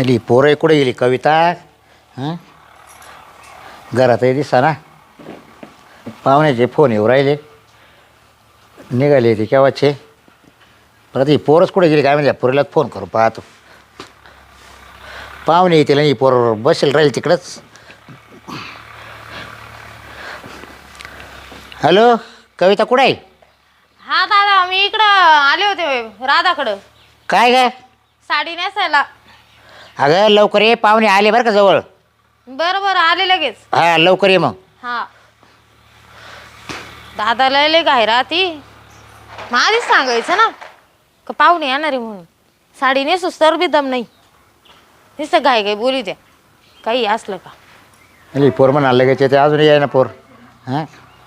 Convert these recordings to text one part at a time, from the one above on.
अली पोरं कुठे गेली कविता? हां घरातही दिसा ना. पाहुण्याचे फोन येऊ राहिले, निघाले ते केव्हाचे. परत ही पोरच कुठे गेली काय म्हणजे? पोरीलाच फोन करू पाहतो. पाहुणे येतील आणि पोर बसेल राहील तिकडंच. हॅलो कविता कुठे आहे? हा दादा, मी इकडं आले होते राधाकडं. काय काय? साडी नेसायला. अगं लवकर ये, पाहुणे आले बरं का जवळ. बरं बरं, आले लगेच. हा लवकर ये मग. हा दादाला लय घाई राहती. मग आधीच सांगायचं ना का पाहुणे येणार आहे म्हणून. साडी नेसूस तर बी दम नाही. नुसतं घाई घाई बोली द्या काही असलं का. अली पोर म्हणा लगेच येते, अजून याय ना पोर. हां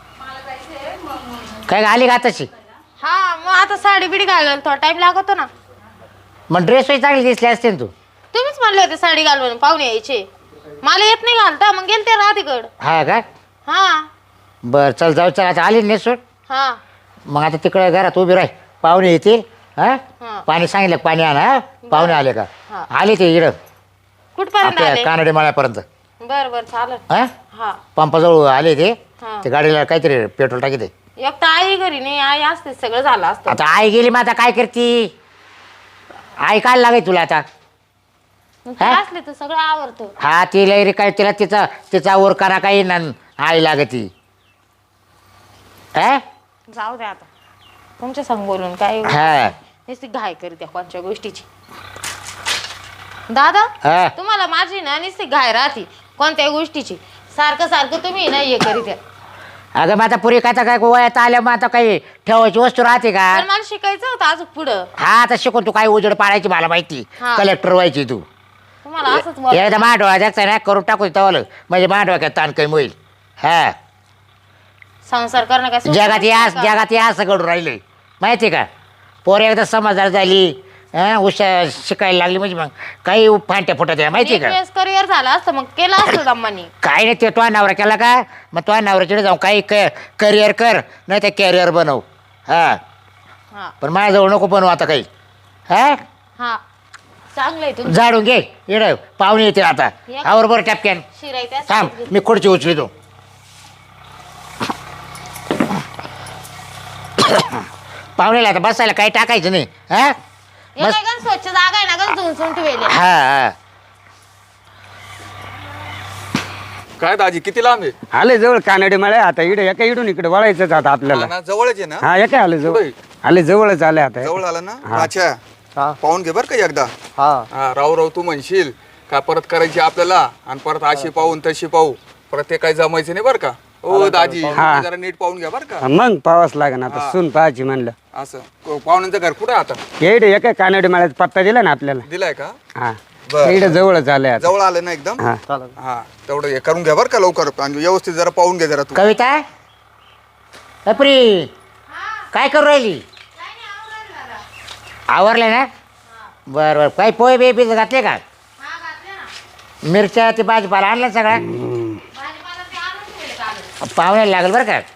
काय आली का आताची? हा मग आता साडी बिडी घालायला थोडा टाइम लागतो ना. मग ड्रेस वही चांगली दिसली असते ना तू. तुम्हीच म्हणले होते साडी घालून पाहुणे यायचे. मला येत नाही घालता, मग गेले ते राधेकड. हा का? हा बरं चल जाऊ. चल आता आली नेसून. हा मग आता तिकडे घरात उभी राह, पाहुणे येतील. हा. पाणी सांगितलं पाणी आणा. पाहुणे आले का? हा. आले ते इकडं कुठपर्यंत आपल्या आले? कानडे माळ्यापर्यंत. बर बर चालेल. हा हा पंपाजवळ आले ते. हा. ते गाडीला काहीतरी पेट्रोल टाकीते. एक तर आई घरी नाही, आई असते सगळं झालं असतं. आता आई गेली मग आता काय करती? आई काय लागाय तुला आता? मग ती असले तर सगळं आवडतं. हा ती लय रे काय, तिला तिचा तिचा ओर करा काही ना. आई लागती. हा जाऊ द्या आता, तुमच्या संग बोलून काय हा नुसती घाई करी त्या कोणत्या गोष्टीची. दादा हा. तुम्हाला माझी ना नुसती घाई राहती कोणत्याही गोष्टीची. सारखं सारखं तुम्ही ना हे करी द्या. अगं मग आता पुरी काय काय वयात आल्या मग आता काही ठेवायची वस्तू राहते का? पण मला शिकायचं होतं अजून पुढं. हा आता शिकून तू काय उजेड पाडायची मला माहिती. हा. कलेक्टर व्हायची तू. तुम्हाला असंच बोल. एकदा मांडवा जागता ना करून टाकू तवलं म्हणजे मांडवा काय ताण काही होईल. हा संसार करणं काय सोपं जगात या नसतं का? जगात या असं घडून राहिलंय माहिती का? पोरं एकदा समजदार झाली, हुशार शिकायला लागली म्हणजे मग काही फांट्या फुटत आहे माहिती का? करिअर झालं असतं मग केलं असतं दम्मानी. काही नाही ते तो नवरा केला का मग तो नवऱ्याकडे जाऊन काही करिअर कर, नाही तर कॅरियर बनव. हा हा पण माझ्याजवळ नको बनवू आता काही. हा हा चांगलंय तुमचं. झाडून घे इड पाहुणे येते आता. आवर बरं टपक्यान शिराई थांब मी खुर्ची उचलितो. पाहुण्याला आता बसायला काही टाकायचं नाही. हा बस. स्वच्छ जागा आहे ना गं, झुंचून ठेवले. हा हा काय दाजी किती लांब आहे? आले जवळ कानडे मळे आता इकडे एका इडून इकडे वळायचंच आता आपल्याला. हा ना, जवळच आहे ना. हा एका आले जवळ. कुठे? आले जवळच आले आता. जवळ आला ना. अच्छा पाहून घे बर का एकदा. हा हा राव राव तू म्हणशील का परत करायची आपल्याला आणि परत अशी पाहून तशी पाहू, परत ते काही जमायचं नाही बर का. ओ दाजी हा. जरा नीट पाहून घ्या बर का. मग पावाच लागेल आता. हा. सून पाहायची म्हणलं. असं पाहुण्यांचं घर कुठे आता? इकडे एका कानडे मळ्याचा पत्ता दिला ना आपल्याला. दिलाय का? हा बरं. इकडे जवळच आले आता. जवळ आलं ना एकदम. हा हा तेवढं हे करून घ्या बर का लवकर आणि व्यवस्थित जरा पाहून घे जरा तू. कविता बापरी काय करू राहिली? आवरले ना? बरं बरं काही पोहे बे बी घातले का? मिरच्या ते भाजीपाला आणला सगळा? पाहुण्याला लागेल बरं का.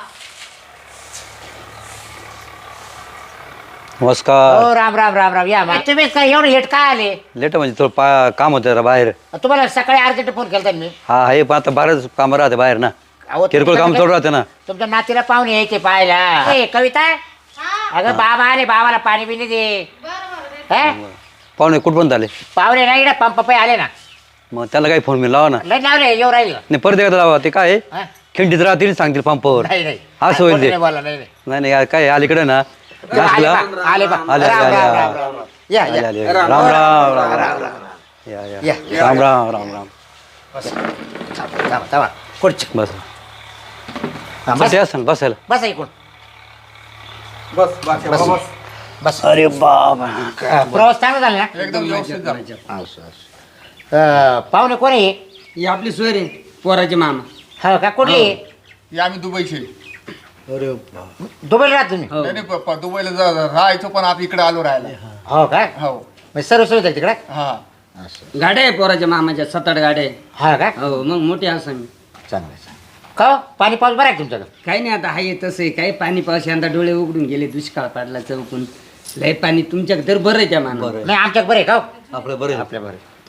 नमस्कार. हो राम राम राम राम या मग. तुम्ही काय एवढं लेट काय आले? लेट म्हणजे थोडं काम होतं जरा बाहेर. तुम्हाला सकाळी अर्जंट फोन केला मी. हा हे पण आता बरंच काम राहते बाहेर ना. अहो, किरकोळ काम तुमच्या- चालू राहते ना. तुमच्या नातीला पाहुणे यायचे पाहायला. ए, कविता अगं बाबा आले, बाबाला पाणी बिणी दे. हा? पाहुणे कुठपर्यंत आले? पाहुणे नाही इकडे पंप पे आले ना. मग त्याला काही फोन मी लावा ना. लय लावले येऊ राहिले. नाही परत एकदा लावा. ते काय हा? खिंडीत राहतील सांगतील पंपावर. नाही नाही असं होईल ते. नाही बोला, नाही नाही. नाही नाही काय अलीकडे ना आले नाशिकला. बा, आले बा. आले, राम, आले, राम, आले. राम, राम, राम. या आले, या आले. राम राम राम राम. या या, या या. राम राम राम राम. थांबा थांबा खुर्ची. बस हा, बस बस असं बसायला. बस इकडून बस बस बस. बस. बस अरे बाबा. प्रवास चांगला झाला ना? एकदम व्यवस्थित जा. असं, असं. पाहुणे कोण आहे? ही आपली सोय रे पोराचे मामा. हो का कुठली? हे आम्ही दुबईचे. दुबईला राहत तुम्ही? नाही नाही, दुबईला राहायचो पण आता इकडे आलो राहायला. हो का? हो म्हणजे सर्व सुविधा आहे तिकडे? हा गाड्या आहे पोराच्या मामाच्या 7-8 गाड्या आहे. हा का? हो मग मोठी असं चांगलं आहे, चांगलं. का हो? पाणी पाऊस बरं आहे का तुमच्याकडे? काही नाही आता हाय तसं आहे. काही पाणी पाऊस यंदा डोळे उघडून गेले. दुष्काळ पडला चौकून. लय पाणी तुमच्याकडे तर बरं आहे त्या माना. नाही आमच्याकडे बरं आहे का हो? आपलं बरं आहे. आपल्या बरं आहे.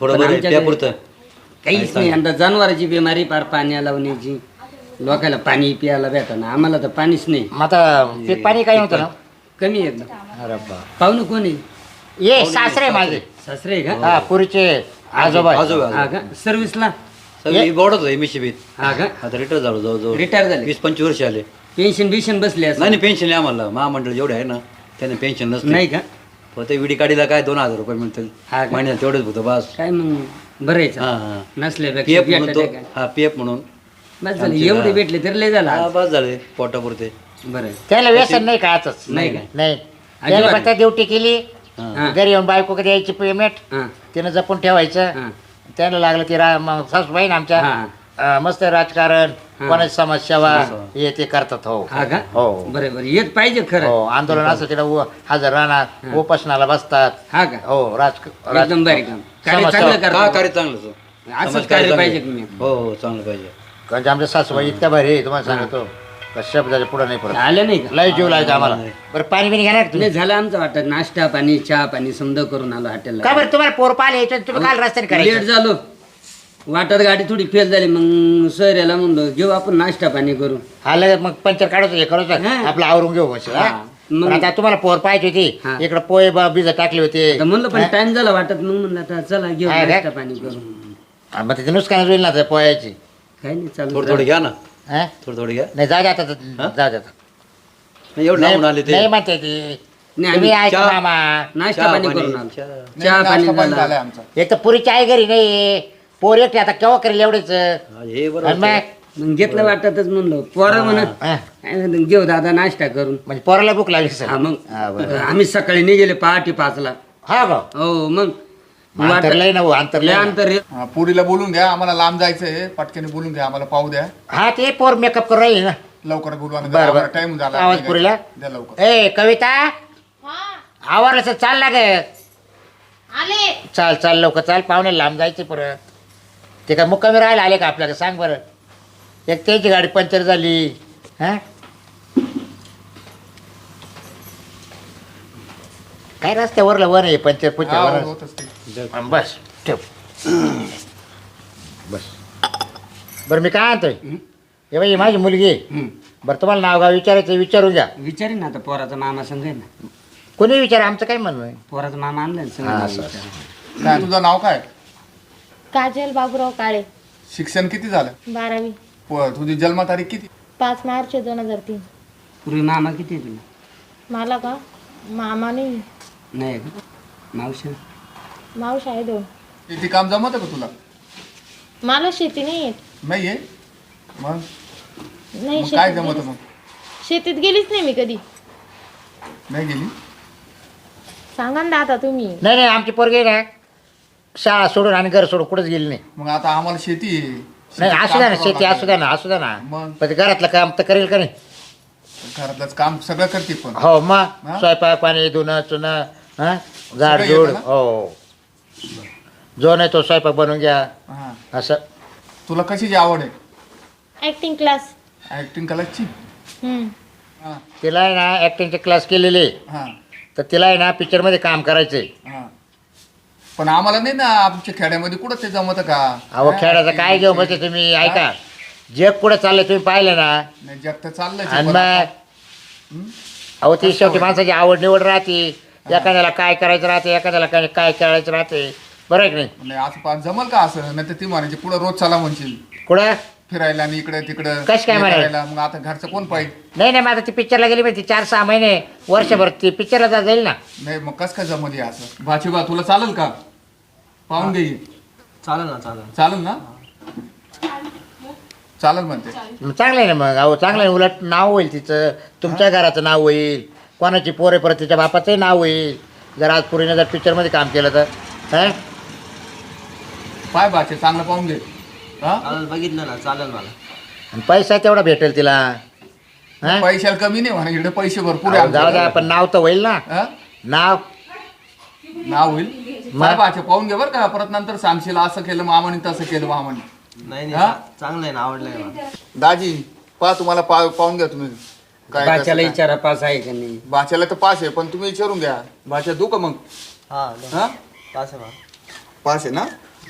थोडं पण बरं आमच्याकडे त्यापुरतं काहीच नाही यंदा जनावरांची बिमारी पार पाण्या लावण्याची लोकांना पाणी प्यायला भेटणं आम्हाला तर पाणीच नाही मग आता पीक पाणी काही नव्हतं ना कमी एकदम अरे बा पाहुणं कोण आहे ये सासरे माझे सासरे आहे का हा पुरीचे आजोबा आजोबा हा का सर्व्हिसला सगळी बोर्डात होते मिशिबीत हा का आता रिटायर झालो जवळजवळ रिटायर झाले 20-25 वर्ष आले पेन्शन बिशन बसले असं नाही पेन्शन आहे आम्हाला महामंडळ जेवढे आहे ना त्यांना पेन्शन नसते नाही का फक्त विडी काढीला काय 2000 रुपये मिळतील हा का? महिन्यात तेवढंच होतं बस काय मग बरं आहे हा चाल. हा नसल्यापेक्षा पीएफ म्हणून भेटत तो आहे का? हा पीएफ म्हणून बस झालं एवढे भेटले तर लय झाला हा बस झाले पोटापुरते बरं आहे. त्याला व्यसन नाही का आताच नाही का नाही त्याने फक्त ड्युटी केली हा. घरी येऊन बायको कधी यायची पेमेंट हा तिनं जपून ठेवायचं हा त्याला लागलं ती मग सासूबाई ना आमच्या हा. मस्त राजकारण कोणाची समाजसेवा हे ते करतात हो हा का हो बरं बरं येत पाहिजे खरं हो आंदोलन असं तिला हजर राहणार उपोषणाला बसतात हा का हो एकदम भारी काम कार्य समजतं. चांगलं का करतात कार्य चांगलं तो. असंच समाज कार्य चांगलं. पाहिजे तुम्ही हो हो चांगलं पाहिजे म्हणजे आमच्या सासूबाई इतक्या भारी आहे, तुम्हाला सांगतो शब्दाच्या पुढे नाही पडत आलं नाही का लय जीव लागायचा आम्हाला बरं पाणी बिणी घेणार तुम्ही नाही झालं आमचं वाटत नाश्ता पाणी चहा पाणी समजा करून आलो हॉटेलला का बरं तुम्हाला पोर पाहिले यायचं तुम्ही काल रस्त्याने लेट करायचं झालो वाटत गाडी थोडी फेल झाली मग सोयऱ्याला म्हणलो घेऊ आपण नाश्ता पाणी करू हा लगेच मग पंचर काढायचं हे करायचं हा. आपलं आवरून घेऊ बस हा. मग- पण आता तुम्हाला पोर पाहिजे हा. होती इकडे पोहे बीज टाकले होते तर म्हणलं पण टाइम झाला वाटत मग म्हणलं आता चला घेऊ हा का? नाश्ता पाणी करू हा, मग त्याचे नुकसान होईल ना त्या पोह्याची काही नाही चालू थोडं थोडं घ्या ना हा? थोडं घ्या नाही जाऊ दे आता जाऊ दे आता नाही एवढं लांबून आले ते नाही म्हणते ती नाही, तुम्ही आम्ही ऐका चहा- मामा नाश्ता चहा पाणी पाणी, करून आलो चहा. चहा पाणी नाश्ता झाला झालाय आमचा एक तर पुरीची आई घरी नाही पोर एकटी आता केव्हा करेल एवढेच हा, हे आणि बरोबर मग मग घेतलं वाटतच म्हणलं पोरं म्हणत हा, काय म्हणतात, घेऊ दादा नाश्ता करून म्हणजे पोराला भूक लागली सर हा मग हा, बरं. आम्ही सकाळी निघेले पहाटे 5ला हा भाऊ हो मग अंतर लय ना भाऊ, अंतर लय लय ना. अंतर रे. हा, पुरीला बोलून घ्या आम्हाला लांब जायचंय पटकन बोलून घ्या आम्हाला पाहू द्या हा ते पोर मेकअप करून राहील ना लवकर बोलवा बरं बरं टाइम झाला आवाज पुरीला द्या लवकर ए कविता हा आवरलं चाल लाग आले चाल चाल लवकर चाल पाहुणे लांब जायचे परत ते काय मुक्कामी राहायला आले का आपल्याला सांग बरं एक त्याची गाडी पंक्चर झाली हा काय रस्त्यावरला वर आहे पंक्चर हा, पंक्चर होतच ते. बस ठेव बस बरं मी काय आणतोय हे बाई ही माझी मुलगी आहे. हम्म. बरं तुम्हाला नाव गाव विचारायचं विचारून घ्या विचारी ना आता पोराचा मामा संग आहे ना कोणी विचारा आमचं काय म्हणणं आहे पोराचा मामा आणला ना संग हा, नाव असं. विचारा. काय तुझं नाव काय काजल बाबूराव काळे शिक्षण किती झालं 12वी तुझी जन्मतारीख किती 5 मार्च 2003 पूर्वी मामा किती आहे तुला मला का मामा नाही नाही का मावशी मावशी आहे 2 किती काम जमत का तुला मला शेती नाही येत नाहीये मग नाही मग काय शेतीत जमत गेलीच- मग शेतीत गेलीच नाही मी कधी नाही गेली सांगा ना आता तुम्ही नाही नाही आमची पोरगी ना शाळा सोडून आणि घर सोडून कुठंच गेली नाही मग आता आम्हाला शेती आहे. नाही शेतीत असू द्या काम ना करावं शेती लागतं. असू द्या ना असू द्या ना मग? पण ते घरातलं काम तर करेल का नाही घरातलंच काम सगळं करते पण हो मग हा? स्वयंपाक पाणी धुणं चुणं हा झाड सगळं झूड येतं ना? हो जो नाही तो स्वयंपाक बनवून घ्या हा असं तुला कशाची आवड आहे ऍक्टिंग क्लास ऍक्टिंग करायची हा तिला आहे ना ॲक्टिंगचे क्लास केलेले हा तर तिला आहे ना पिक्चरमध्ये काम करायचंय हा पण आम्हाला नाही ना आमच्या खेड्यामध्ये कुठं ते जमत का अहो हा? खेळाचं काय घेऊ बसले तुम्ही ऐका जग कुठं चाललंय तुम्ही पाहिलं ना नाही जग तर चाललंच आहे, आणि पण मग अहो ती शेवटी माणसाची आवड निवड राहते एखाद्याला काय करायचं राहते एखाद्याला काय काय करायचं राहते बरं आहे की नाही नाही असं जमल का असं नाही तर ती म्हणायची पुढं रोज चला म्हणशील कुठं फिरायला आणि इकडे तिकडं कसं काय हे म्हणाल? करायला. मग आता घरचं कोण पाहिजे नाही नाही मग आता ती पिक्चरला गेली माहिती 4-6 महिने वर्षभर ती पिक्चरला जाईल ना नाही मग कस काय जमल हे असं भाचीबा तुला चालेल का पाहून घे चालेल ना चालेल चालेल ना चालेल म्हणते मग चांगलं आहे ना मग अहो चांगलं आहे उलट नाव होईल तिचं तुमच्या घराचं नाव होईल कोणाची पोरे परत तिच्या बापाचंही नाव होईल जर आज पुरीने जर पिक्चरमध्ये काम केलं तर हां पाय भाचे चांगलं पाहून घे हा चालेल बघितलं ना चालेल मला आणि पैसा तेवढा भेटेल तिला हां पैशाला कमी नाही म्हणा इकडे पैसे भरपूर आहे जाऊ द्या आमच्याकडे. पण नाव तर होईल ना हा? नाव नाव होईल पाय भाचे पाहून घे बरं का परत नंतर सांगशील असं केलं मामाने तसं केलं मामाने नाही हा? चांगलं आहे ना आवडलंय मला दाजी पहा तुम्हाला पाहून घ्या तुम्ही काय कसं बाच्याला काय. विचारा पास आहे का नाही भाच्याला तर पास आहे पण तुम्ही विचारून घ्या भाषा देऊ का मग हा हा पास आहे पास आहे ना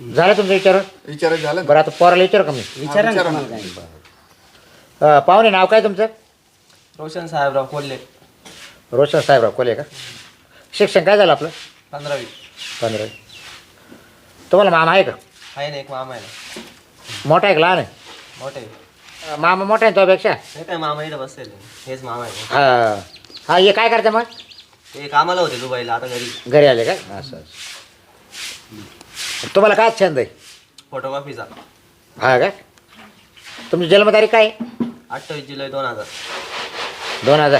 झालं तुमचं विचारून? विचारायचं झालं ना? बरं आता पोराला विचारू का मी? विचारा ना विचारा तुम्हाला ना. काय. पाहुणे नाव काय तुमचं? रोशन साहेबराव कोल्हे. रोशन साहेबराव कोले का? शिक्षण काय झालं आपलं? 15वी. 15. तुम्हाला मामा आहे का? आहे ना, एक मामा आहे ना. मोठा आहे का लहान आहे? मोठे. मामा मोठा आहे तुझ्यापेक्षा? हे काय मामा इथं बसलेले, हेच मामा आहे. हा हा, हे काय करते मग? ते कामाला होते दुबईला, आता घरी. घरी आले का? असं तुम्हाला काय छंद आहे? फोटोग्राफीचा. हा का? तुमची जन्मतारीख काय आहे? 28 जुलै 2000. 2000.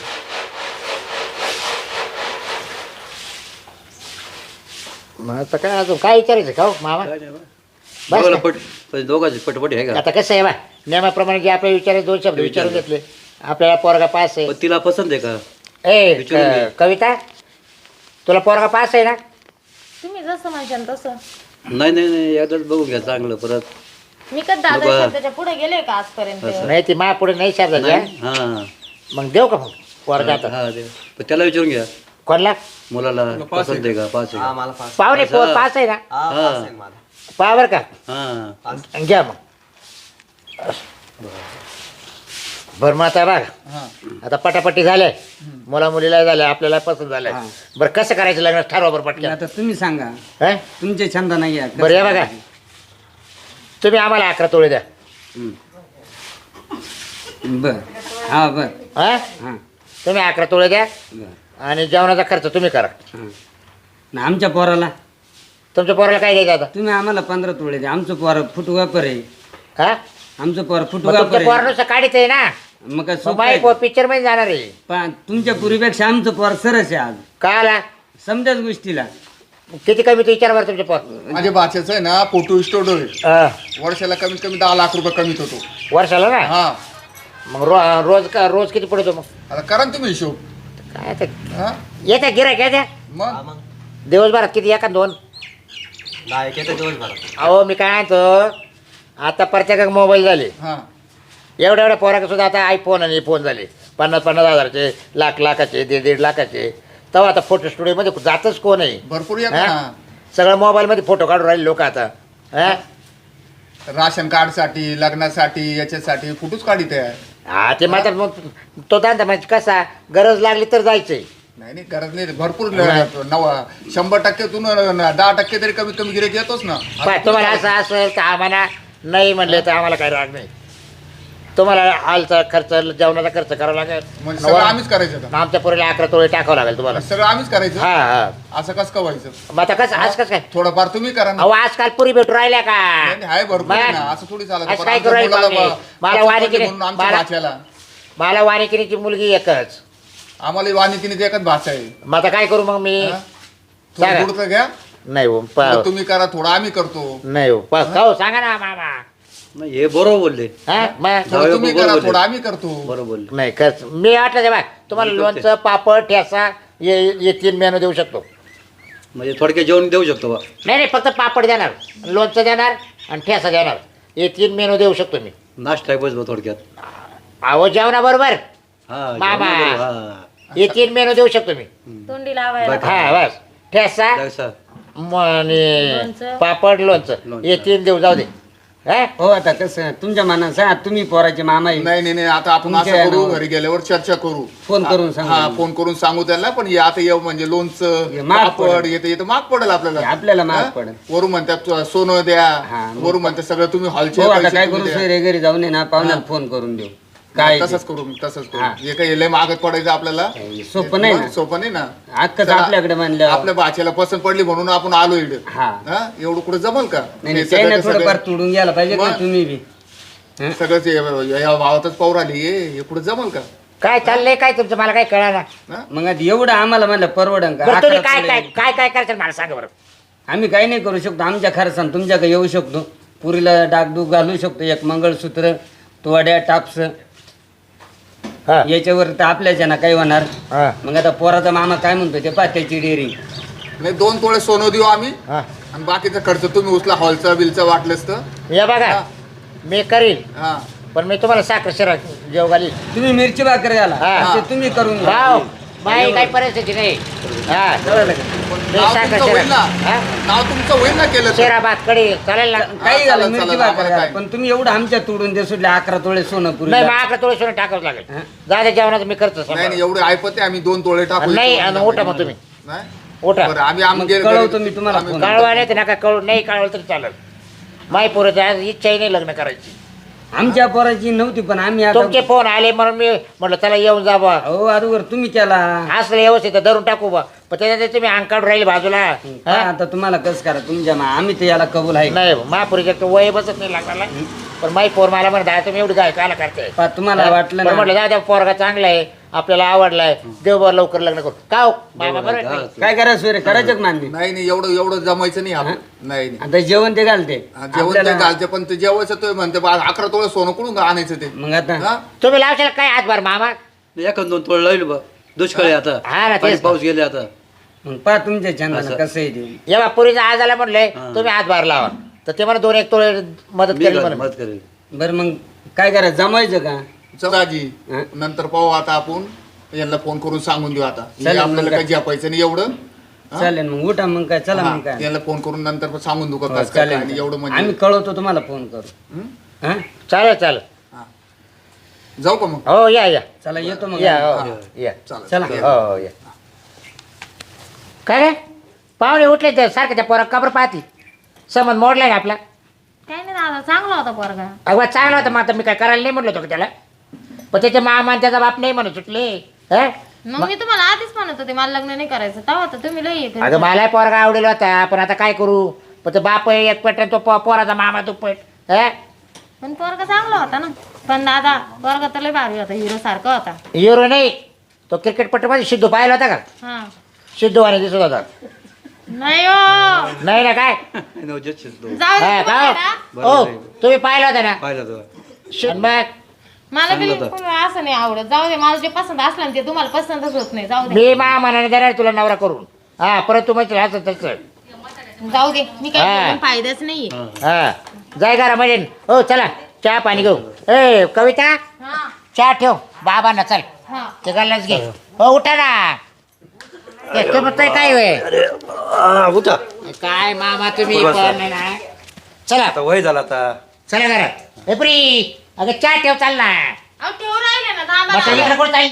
मग आता काय अजून काय विचारायचं का हो मामा? दोघाला बस पट दोघांची पटपट आहे का? आता कसं आहे बा, नियमाप्रमाणे जे आपल्याला विचारायचे 2 शब्द विचारून घेतले. आपल्याला पोरगा पास आहे. पण तिला पसंत आहे का? ए विचारून घे. कविता, तुला पोरगा पास आहे ना? तुम्ही जसं म्हणशाल तसं. नाही नाही नाही, एकदाच बघून घ्या चांगलं परत. मी कधी दादा नको. शब्दाच्या पुढे गेले का आजपर्यंत? नाही ती मा पुढे नाही शब्द हा मग देऊ का मग पोरगा आता? हा दे. पण त्याला विचारून घ्या कोणला? मुलाला पसंत आहे का? पास आहे हा, का? मला पास. पाहुणे पास आहे ना? हा, पास आहे मला. पावर का? हा पास. घ्या मग. बरं मग आता बघ, हा. आता पटापट्टी झाल्या, मुला मुलीला झाल्या, आपल्याला पसंत झालंय. हा. बरं कसं करायचं लग्न ठरवा बरं पटकन. आता तुम्ही सांगा, हं? तुमचे छंद नाही आहे. बरं या बघा, तुम्ही आम्हाला 11 तोळे द्या. बर. हा बर. हा, हां तुम्ही 11 तोळे द्या बर. आणि जेवणाचा खर्च तुम्ही करा. हां. ना आमच्या पोराला तुमच्या पोराला काय द्यायचं आता? तुम्ही आम्हाला 15 तोळे द्या. आमचं पोर फुटवापर आहे. हा, आमचं पोर मग फुटवापर तुमच्या आहे. पोरानुसार काढीत आहे ना. मग काय मग सोपं बाई आहे का? पिक्चर मध्ये जाणार आहे. तुमच्या पुरीपेक्षा आमचं पोर सरस आहे आज का आला? समजाच गोष्टीला. किती कमी तू विचार बरं तुमच्या पोर? माझ्या बाच्याचं आहे ना, फोटो स्टुडिओ आहे. हा, वर्षाला कमीत कमी 10 लाख रुपये कमीत होतो. वर्षाला ना? हा, मग रोज किती पडतो मग? आता करा ना तुम्ही हिशोब. काय ते हा, येत्या गिरायक येत्या हा, मग मग दिवसभरात किती? 1 का 2? 10 येते दिवसभरात. अहो मी काय म्हणतो, आता प्रत्येकाक मोबाईल झाले. हा, एवढ्या पोराक सुद्धा आता आयफोन आणि फोन झाले. 50-50 हजाराचे, लाखाचे, 1.5 लाखाचे. तेव्हा आता फोटो स्टुडिओमध्ये जातच कोण आहे? भरपूर येतं हा? ना. सगळं मोबाईलमध्ये फोटो काढून राहिले लोक आता. हा? राशन कार्डसाठी, लग्नासाठी, याच्यासाठी फोटोच काढित आहे. हा ते मात्र मग तो धंदा म्हणजे कसा, गरज लागली तर जायचंय. नाही नाही, गरज नाही. भरपूर 100%तून 10% तरी कमीत कमी गिऱ्हाईक येतोच ना. पाय तुम्हाला असं असेल तर आम्हाला नाही म्हणले तर आम्हाला काही राग नाही. तुम्हाला हालचा खर्च, जेवणाचा खर्च करावा लागेल. म्हणजे सगळं आम्हीच करायचं आणि का? आमच्या पोरीला 11 तोळे टाकावं लागेल तुम्हाला. सगळं आम्हीच करायचं. हा हा, असं कसं का व्हायचं? मग आता कसं आज कसं काय? थोडंफार तुम्ही करा ना. अहो आजकाल पुरी भेटू राहिल्या का? नाही, नाही, आहे भरपूर आहे ना. मग? असं थोडी चालत. आज पण काय आमच्या करू राहिले मुलाला पाहुणे? मला पसंत वाणी पडली केली- म्हणून आमच्या मला- भाच्याला. मला वाणिकिनीची मुलगी एकच. आम्हाला वानिकीने एकच भाषा आहे. मग आता काय करू मग मी? हा? थोडं सांगा. पुढचं घ्या. नाही हो, थोडं तुम्ही करा, थोडं आम्ही करतो. नाही हो, का हो सांगा ना मामा. नाही हे बरोबर बोलले. हा मग थोडं जाऊया, तुम्ही बरोबर करा, बोलले. थोडं आम्ही करतो. बरोबर बोलले. नाही खर्च मी वाटलं तेव्हा तुम्हाला मी करते. लोणचं, पापड, ठेसा हे 3 मेनू देऊ शकतो. म्हणजे थोडक्यात जेवण देऊ शकतो बा. नाही पापड पापड देणार, लोणचं देणार आणि ठेसा देणार. हे 3 मेनू देऊ शकतो मी. नाश्ता टाईपच बा थोडक्यात. अहो जेवणाबरोबर हा मामा. जेवणाबरोबर, हा. हे 3 मेनू देऊ शकतो मी. तोंडी लावायला. हा बस, ठेसा जसा. आणि लोणचं. पापड, लोणचं लोणचं. हे 3 देऊ, जाऊ दे. हा? हो आता कसं तुमच्या मनात सांगा. तुम्ही पोराचे मामा आहे. नाही नाही नाही, आता आपण तुमच्या असं करू, यानं- घरी गेल्यावर चर्चा करू. फोन करून सांगू. हा, फोन करून सांगू त्यांना. पण हे आता येऊ म्हणजे हे लोणचं, महाग पापड पडेल. येतं महाग पडेल आपल्याला. हे आपल्याला महाग हा? पडेल. वरून म्हणतात सोनं द्या, हा. वरून म्हणतात सगळं तुम्ही हॉलचे हो आता पैसे काय तुम्ही करू द्या. सर घरी जाऊन आहे ना पाहुण्याला फोन करून देऊ. काय ते? तसंच करू. हा. हे काही लय महागत पडायचं आपल्याला. हे सोपं नाही ना. सोपं नाही ना. अख्खच चला, आपल्याकडे म्हणलं. आपल्या भाच्याला पसंत पडली म्हणून आपण आलो इकडे. हा. हा? एवढं कुठे जमल का? नाही हे काही नाही सगळं- थोडंफार तुडून गेला पाहिजे का मग? तुम्ही बी. सगळंच या भावातच पाऊर आली. हे कुठे जमल का? काय चाललंय काय तुमचं, मला काय कळा ना. हा? मग आता एवढं आम्हाला म्हणलं परवडन का? बरं तुम्ही 11 काय तोळे. काय काय काय करायचं मला सांगा बरं. आम्ही काही नाही करू शकतो. आमच्या खर्चानं तुमच्याकडे येऊ शकतो. पुरीला डागडूग घालू शकतो. एक मंगळसूत्र, तोड्या, टाप्स हा याच्यावर तर आपल्याच्या ना काही होणार. हा मग आता पोराचा मामा काय म्हणतो ते पात्याची डेअरी. नाही 2 तोळे सोनं देऊ आम्ही हा, आणि बाकीचा खर्च तुम्ही उचला. हॉलचा बिलचा वाटलंच तर. या बघा हा. मी करीन, हा, पण मी तुम्हाला साखर शिरा जेव घाली. तुम्ही मिरची भाकर घाला हा. ते तुम्ही करून घ्या. भाऊ बाई काही परिस्थिती नाही. हा कळलं का? नाव साखर तुमचं होईल ना हा? नाव तुमचं होईल ना केलं तर. शेरा भात कडी चालेल ना काही चालेल, झालं मिरची चालेल, भाकर आम्हाला करा. काय. पण तुम्ही एवढं आमच्या तोडून दे सुटले 11 तोळे सोनं पुरी नाही मग थोडे सोनं टाकावं लागेल जा दे जेवणाचं मी करतो नाही नाही एवढे ऐपत आहे आम्ही 2 तोळे टाकू नाही आणि उठा मग तुम्ही नाही? उठा बरं आम्ही आम्ही गेलो कळवतो घरी. मी तुम्हाला आम्ही- फोन. कळवा नाही तर नका कळू नाही कळवलं तरी चालेल माई पोरं आज इच्छाही नाही लग्न करायची आमच्या पोराची नव्हती पण आम्ही आता तुमचे फोन आले म्हणून मी म्हटलं चला येऊन जा बा हो अगोदर तुम्ही केला असलं व्यवस्थित आहे, धरून टाकू बा पण त्याच्यात तुम्ही अंग काढून राहिले बाजूला पहा आता तुम्हाला कसं करा तुमच्या आम्ही तर याला कबूल आहे नाही महापुरीच्या वय बसत नाही लागला पण माई पोर मला म्हणत आहे तुम्ही एवढी गाय काला करते पहा, तुम्हाला वाटलं ना म्हटलं जा पोरगा चांगला आहे आपल्याला आवडलाय देव बरं लवकर लग्न करू का हो? मामा बरं आहे? काय करायचं सोयरे करायचं का मान्य नाही नाही एवढं जमायचं नाही आपण नाही नाही आता जेवण ते घालते जेवण ते घालते पण ते जेवायचं तो म्हणते 11 तोळे सोनं कुठून आणायचं ते मग आता हा? तुम्ही लावशाल काय हातभार मामा एखाद 2 तोळ लावली बा दुष्काळ आहे आता हा ना, तेच पाणी ना. पाऊस गेले आता मग पहा तुमच्या छंदानं कसं आहे ते जेव्हा पुरीचा आज आला म्हणलंय तुम्ही हातभार लावा तर ते मला 2-1 तोळे मदत मी केली घाल- म्हणून मदत करेल बरं मग काय करायचं जमायचं का दाजी हा? नंतर पाहू आता आपण यांना फोन करून सांगून देऊ आता हे चालेल, मग आपल्याला काय. काही झेपायचं नाही एवढं हा? चालेल मग उठा मग काय चला हा, मग काय यांना फोन करून नंतर सांगून देऊ का हो, कसं काय चालेल आणि एवढं आम्ही म्हणजे कळवतो तुम्हाला फोन करू हं? हा चालेल चालेल हा. जाऊ का मग हो या या चला येतो मग या आम्ही. हो या चालेल चला हो या काय रे पाहुणे उठले तर सारखं त्या पोरा कबर पाहती समज मोडलाय ना आपला काही नाही दादा चांगला होता पोरगा अगवा चांगला होता मग आता मी काय करायला नाही म्हणलो होतो का त्याला पण त्याचे मामा आणि त्याचा बाप नाही म्हणत सुटले हं? मग मी तुम्हाला आधीच म्हणत होते मला लग्न नाही करायचं तेव्हा तर तुम्ही लई हे करत अगं मला पोरगा आवडेल होता पण आता काय करू पण तो बाप एक पट आणि तो पोराचा मामा दुप्पट हं? पण पोरगा चांगला होता ना पण दादा पोरगा तर लई भारी होता हिरो सारखा होता हिरो नाही तो क्रिकेटपट्टूमध्ये सिद्धू पाहिला होता का हा सिद्धू आणि दिसत होता नाही हो नाही ना काय नवजात शिजलो जाऊ दे हा, तुम्हाला का ना. हो तुम्ही पाहिलं होता ना पाहिलं तर आणि मग मला बिलकुल असं नाही आवडत जाऊ दे मला जे पसंत असलं ना ते तुम्हाला पसंतच होत नाही जाऊ दे मी मामाने देणार तुला नवरा करून हा परत तू म्हणशील असं तसं जाऊ दे मी हा. काही फायदाच नाहीये हा जाय करा म्हणजे हो चला चहा पाणी घेऊ ए कविता हा चहा ठेव बाबांना चल हा ते गल्लाच घे हो उठा ना ते म्हणतोय काय होय उठा काय मामा तुम्ही बरोबर. पण ना चला आता वय झाला आता चला घरात ए प्री अगं चहा ठेव चाल ना अहो ठेवून राहिले ना थांबा मग ना. इकडे कोण चाल